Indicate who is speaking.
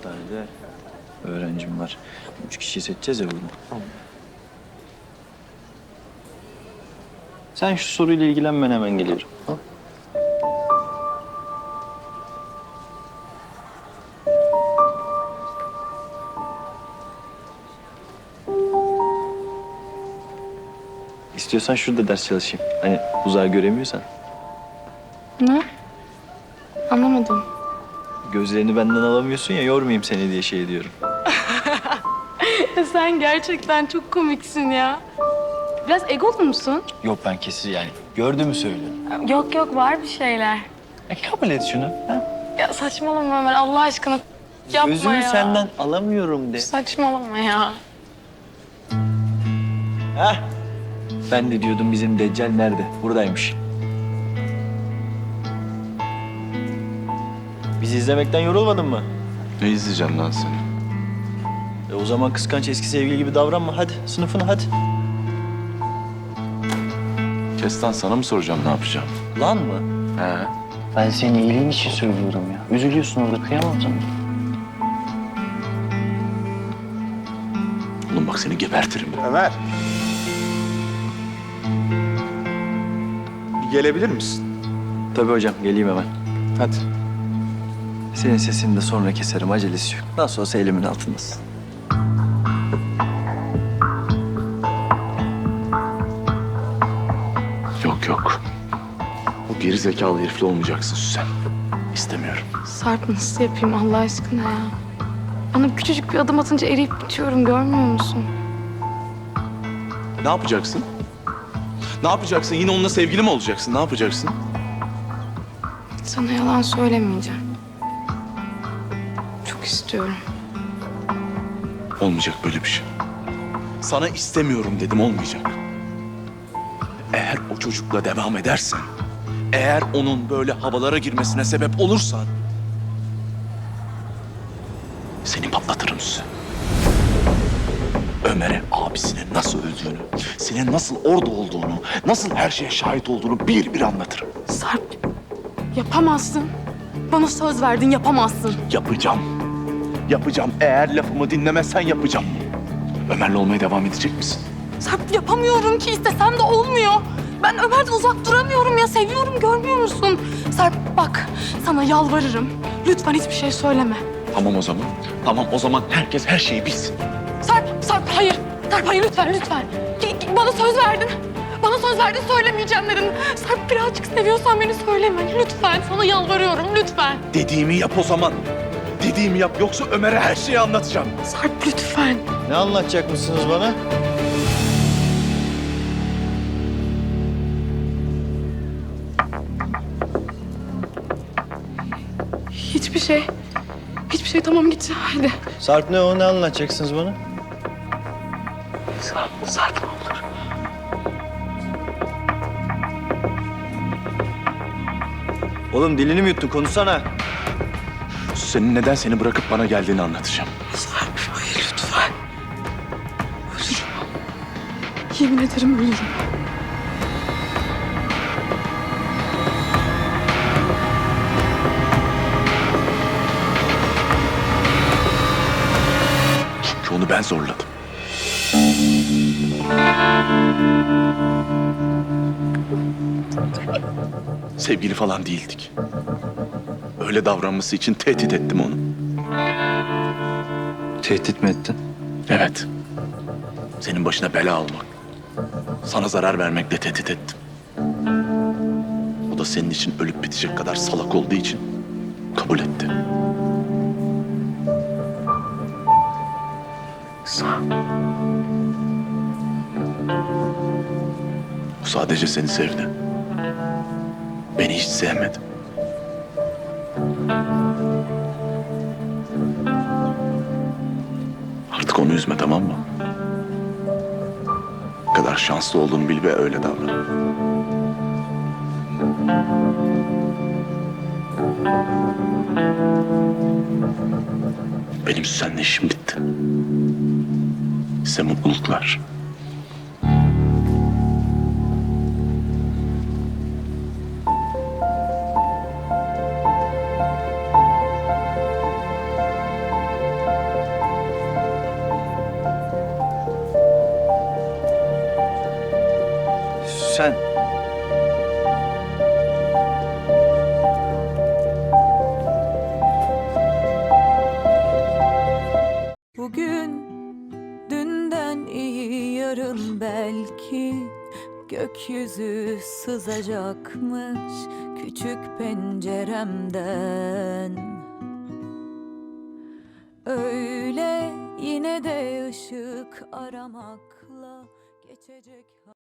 Speaker 1: sadece öğrencim var. 3 kişiyi seçeceğiz ya burada.
Speaker 2: Tamam.
Speaker 1: Sen şu soruyla ilgilen, ben hemen geliyorum. Ha? İstiyorsan şurada ders çalışayım. Hani uzağı göremiyorsan.
Speaker 3: Ne? Anlamadım.
Speaker 1: Gözlerini benden alamıyorsun ya, yormayayım seni diye şey diyorum.
Speaker 3: Sen gerçekten çok komiksin ya. Biraz egolu musun?
Speaker 1: Yok, ben kesin yani. Gördüğümü söylüyorum.
Speaker 3: Yok yok, var bir şeyler.
Speaker 1: Kabul et şunu. Ha?
Speaker 3: Ya saçmalama Ömer, Allah aşkına yapma
Speaker 1: Gözümü
Speaker 3: ya.
Speaker 1: senden alamıyorum de.
Speaker 3: Saçmalama ya.
Speaker 1: Heh. Ben de diyordum bizim Deccal nerede? Buradaymış. Bizi izlemekten yorulmadın mı?
Speaker 2: Ne izleyeceğim lan seni?
Speaker 1: O zaman kıskanç eski sevgili gibi davranma. Hadi sınıfına hadi.
Speaker 2: Kestan, sana mı soracağım ne yapacağım?
Speaker 1: Lan mı?
Speaker 2: He.
Speaker 1: Ben senin iyiliğin için söylüyorum ya. Üzülüyorsun orada, kıyamam sana.
Speaker 2: Oğlum bak seni gebertirim.
Speaker 4: Ömer. Bir gelebilir misin?
Speaker 1: Tabii hocam, geleyim hemen.
Speaker 4: Hadi.
Speaker 1: Senin sesini de sonra keserim, acelesi yok. Nasıl olsa elimin altındasın.
Speaker 2: Yok yok. O geri zekalı herifle olmayacaksın Süsen. İstemiyorum.
Speaker 3: Sarp, nasıl yapayım Allah aşkına ya? Bana küçücük bir adım atınca eriyip bitiyorum, görmüyor musun?
Speaker 2: Ne yapacaksın? Ne yapacaksın? Yine onunla sevgili mi olacaksın? Ne yapacaksın?
Speaker 3: Sana yalan söylemeyeceğim. Çok istiyorum.
Speaker 2: Olmayacak böyle bir şey. Sana istemiyorum dedim, olmayacak. Eğer o çocukla devam edersen, eğer onun böyle havalara girmesine sebep olursan, seni patlatırım Süsen. Ömer'e abisinin nasıl öldüğünü, senin nasıl orada olduğunu, nasıl her şeye şahit olduğunu bir bir anlatırım.
Speaker 3: Sarp, yapamazsın. Bana söz verdin, yapamazsın.
Speaker 2: Yapacağım. Yapacağım. Eğer lafımı dinlemezsen yapacağım. Ömer'le olmaya devam edecek misin?
Speaker 3: Sarp, yapamıyorum ki, istesem de olmuyor. Ben Ömer'den uzak duramıyorum ya, seviyorum, görmüyor musun? Sarp bak, sana yalvarırım. Lütfen hiçbir şey söyleme.
Speaker 2: Tamam o zaman. Tamam o zaman herkes her şeyi bilsin.
Speaker 3: Sarp hayır. Sarp hayır, lütfen lütfen. Bana söz verdin. Bana söz verdin, söylemeyeceğim dedin. Sarp, birazcık seviyorsan beni söyleme. Lütfen, sana yalvarıyorum, lütfen.
Speaker 2: Dediğimi yap o zaman. Dediğimi yap, yoksa Ömer'e her şeyi anlatacağım.
Speaker 3: Sarp lütfen.
Speaker 1: Ne anlatacak mısınız bana?
Speaker 3: Hiçbir şey. Hiçbir şey, tamam git hadi.
Speaker 1: Sarp ne o? Ne anlatacaksınız bana?
Speaker 3: Sarp ne olur.
Speaker 1: Oğlum dilini mi yuttun? Konuşsana.
Speaker 2: Senin neden seni bırakıp bana geldiğini anlatacağım.
Speaker 3: Sarp hayır lütfen. Ölürüm. Yemin ederim ölürüm.
Speaker 2: Çünkü onu ben zorladım. Sevgili falan değildik. Öyle davranması için tehdit ettim onu.
Speaker 1: Tehdit mi ettin?
Speaker 2: Evet. Senin başına bela almak, sana zarar vermekle tehdit ettim. O da senin için ölüp bitecek kadar salak olduğu için kabul etti. O sadece seni sevdi. Beni hiç sevmedi. Artık onu üzme, tamam mı? Ne kadar şanslı olduğunu bil ve öyle davran. Benim seninle işim bitti. Size mutluluklar.
Speaker 1: lütfen.
Speaker 4: Bugün dünden iyi, yarın belki gökyüzü sızacakmış küçük penceremden. Öyle yine de ışık aramakla geçecek.